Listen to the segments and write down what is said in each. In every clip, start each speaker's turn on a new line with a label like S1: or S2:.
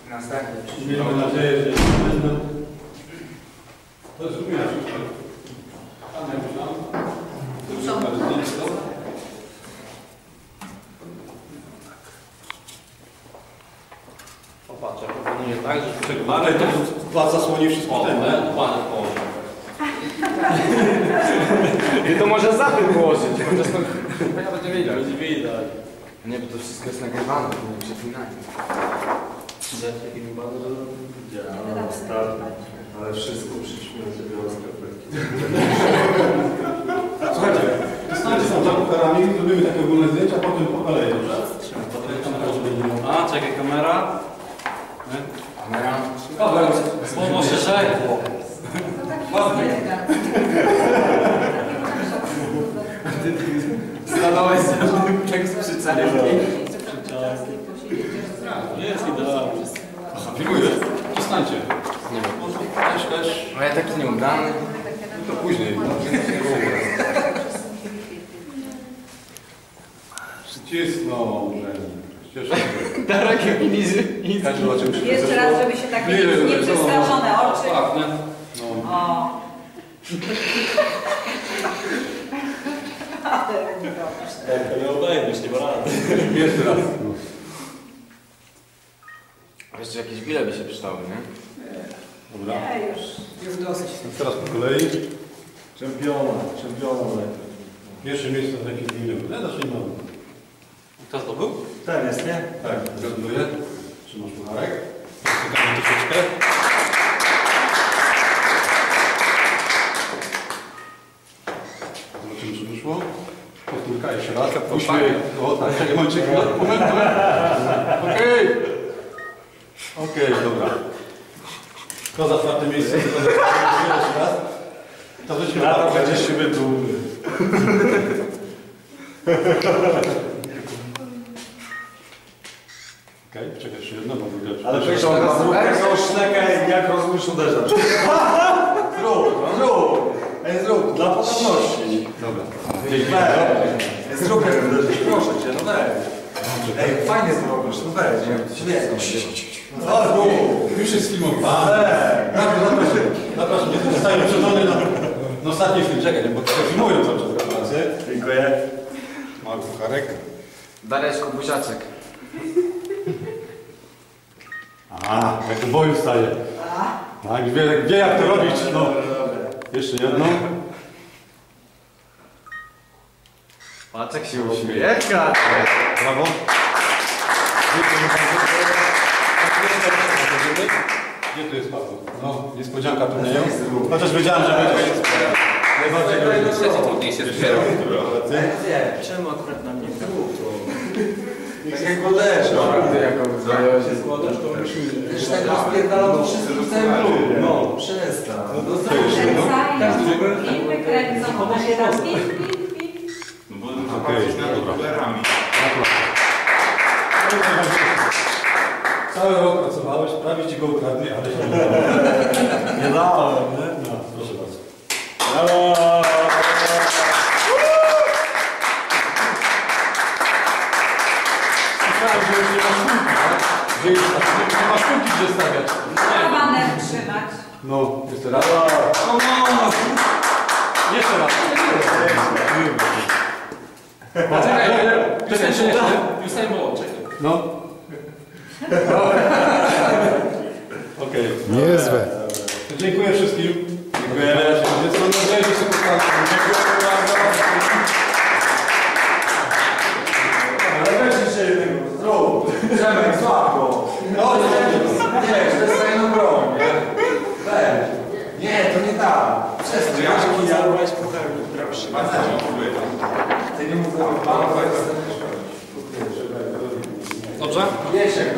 S1: Następnie.
S2: Miejmy nadzieję, że będą. To jest również. Tam jak tam.
S3: Popatrz, ja proponuję tak, że...
S2: Ale to was zasłoni wszystko ten, nie?
S1: I to może za tym położyć, chociaż to ja będę wiedział.
S3: Będzie widać.
S1: Nie, bo to wszystko jest nagrywane, to nie przeklinanie.
S4: Ale wszystko przyśmieje sobie o skarpetki.
S2: Słuchajcie, zostańcie tam za kucharami, zrobimy takie ogólne zdjęcia, potem po kolei, dobrze?
S3: A, czekaj, kamera.
S1: Kamera.
S3: Słowo szerzej.
S1: Stanąłeś tak z przycelem.
S3: Jest idealnie.
S2: Aha, filmujesz? Zostańcie.
S1: Nie wiem.
S2: Też.
S1: No ja taki nieudany.
S2: To później. Przycisnął. Cieszę się.
S1: Darek i
S2: Każdy zobaczył się.
S5: Jeszcze raz, żeby się takie nieprzestraszone oczy.
S2: Tak, nie? No.
S5: O.
S3: To nie obejmiesz, nie ma rady.
S2: Jeszcze raz.
S1: Jeszcze jakieś bile by się przydały, nie?
S2: Dobra.
S5: Nie, już dosyć.
S2: Teraz po kolei.
S4: Czempiona.
S2: Pierwsze miejsce za jakieś minut. Ja zacznijmy.
S3: Kto zdobył?
S4: Ten jest, nie?
S2: Tak, gratuluję. Trzymasz pucharek. Czekamy troszeczkę. Zobaczymy, czy wyszło. Powtórka jeszcze raz. Uśmiech. O tak, czekaj, momencik. Moment. Okej. Okej, dobra. Kto za czwarte miejsce? Jeszcze raz. To weźmy
S4: Lata będziesz siebie dumny.
S2: Okej, czekaj jeszcze jedno, bo widać.
S4: Ale przecież on zrób tego szleka, jak rozumiem uderza. Zrób. Ej, zrób, dla podobności.
S2: Dobra.
S4: Weź. Zrób, jak uderzysz, proszę cię, no weź. Ej, fajnie zrobisz, no weź. No zrób.
S2: Już jest filmowany. Zapraszam, nie zostałem uprzedzony na ostatni film. Czekaj, bo tutaj filmują cały czas gratulacje.
S4: Dziękuję.
S2: Mały pucharek.
S1: Dareczku, buziaczek.
S2: A, jak do boju staje. Tak, wie jak to robić. No. Jeszcze jedno.
S1: Patrz jak się uśmiecha.
S2: Brawo. Gdzie tu jest Paweł? No, niespodzianka tu nie jest. Chociaż wiedziałem, że będzie. Najbardziej groźny.
S1: Trudniejsze dopiero.
S3: Czemu akurat na mnie?
S4: Tak jak uderza.
S1: Ty jako zająłeś.
S3: Składasz, to musimy...
S4: Już tak rozpierdala to wszystko w całym klubie. No, przestań. No
S5: I wykręcą. Teraz pip, pip, pip.
S2: Okej, dobra. Cały rok pracowałeś, prawie ci go ukradli, ale się nie dało.
S4: Nie dałem, nie?
S2: No, proszę bardzo.
S4: Brawo!
S2: Myślałem, że już nie ma sztuki, tak? Że już nie ma sztuki, gdzie stawiać.
S5: Baner trzymać.
S2: No, jeszcze raz. Jeszcze raz.
S3: Już było, czekaj.
S2: No. Okej.
S6: Niezłe.
S2: Dziękuję wszystkim. Dziękuję. Mam nadzieję, że się spotkamy. Dziękuję bardzo.
S4: Ale weź jeszcze jednego. Zrób. Przemek, słabo. No, nie, to jest fajną broń, nie? Weź. Nie, to nie tak. Przestań. Ja weź puchar, proszę. Ty nie mów o panu, bo jest...
S3: Dobrze?
S4: Wiesz jak to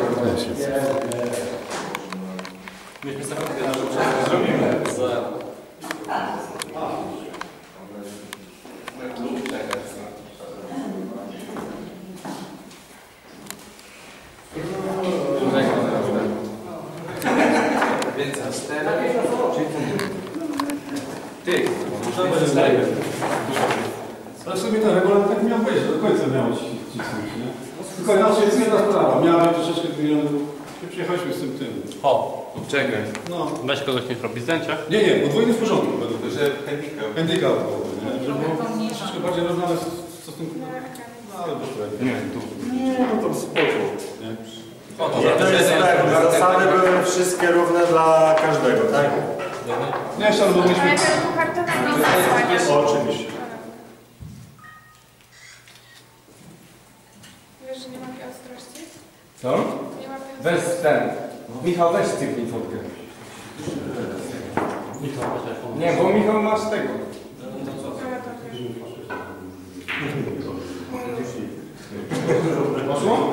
S3: Myśmy sobie zrobimy.
S1: Więc ty,
S2: Ale w sumie ten regulamin tak miał być, do końca miało cisnąć, nie? Tylko inaczej jest jedna sprawa. Miałem troszeczkę zmieniony Przyjechaliśmy z tym.
S1: Czekaj.
S2: No.
S3: Weź kogoś niech robi zdjęcia.
S2: Nie, podwójny w porządku. Według mnie.
S4: Że handicap.
S2: Handicap. Żeby było troszeczkę bardziej rozdane w stosunku. No, ale bez problemu.
S1: Nie, tu.
S6: Nie, no to spoko.
S2: Nie?
S6: To jest tak, zasady były wszystkie równe dla każdego, tak?
S2: Nie, jeszcze albo
S7: Ale
S2: myśmy...
S7: tego kartona nie zasłaniasz.
S6: Oczywiście.
S7: Wiesz, że nie ma takiej ostrości?
S1: Co?
S7: Nie ma takiej
S1: Weź ten. Michał, weź cyknij fotkę. Nie, bo Michał masz tego.
S2: Poszło?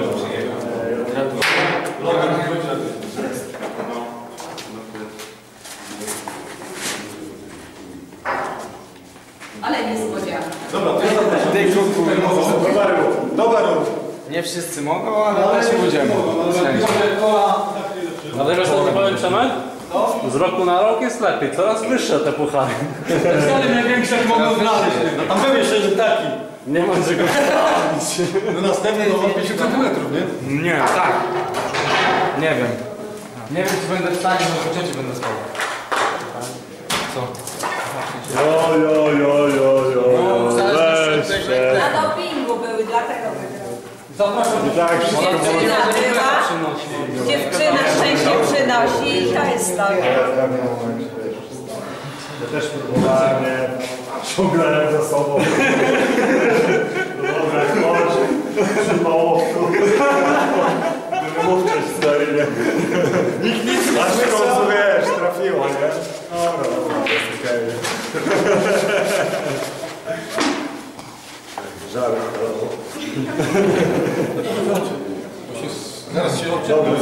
S5: Ale niespodzianka.
S2: Dobra, to ja zapraszam.
S1: Tej krótku.
S6: Dobra,
S1: Nie wszyscy mogą, ale też będziemy.
S3: Dlatego, że to powiem Przemek? Z roku na rok jest lepiej, coraz wyższe te puchary.
S2: Ale największe jak mogą znaleźć. No tam pewnie jeszcze, że taki.
S3: Nie ma czego sprawdzić.
S2: No następny no, 50 cm, nie?
S1: Nie, tak. Nie wiem. Nie wiem, czy będę w stanie, bo po cięciu będę spał. Co?
S6: Weź się.
S5: Na dopingu były, dlatego wygrał.
S6: I tak wszystko
S5: Dziewczyna była, dziewczyna szczęście przynosi i to jest to.
S6: Ja też próbowałem, nie? Ciągnąłem za sobą. Dobra, chodź. Trzymało. Wymówcie stary, nie? Nikt nic nie aż w końcu, wiesz, trafiło, nie? Dobra, jest okej. Żart,
S2: Zaraz się odczytam.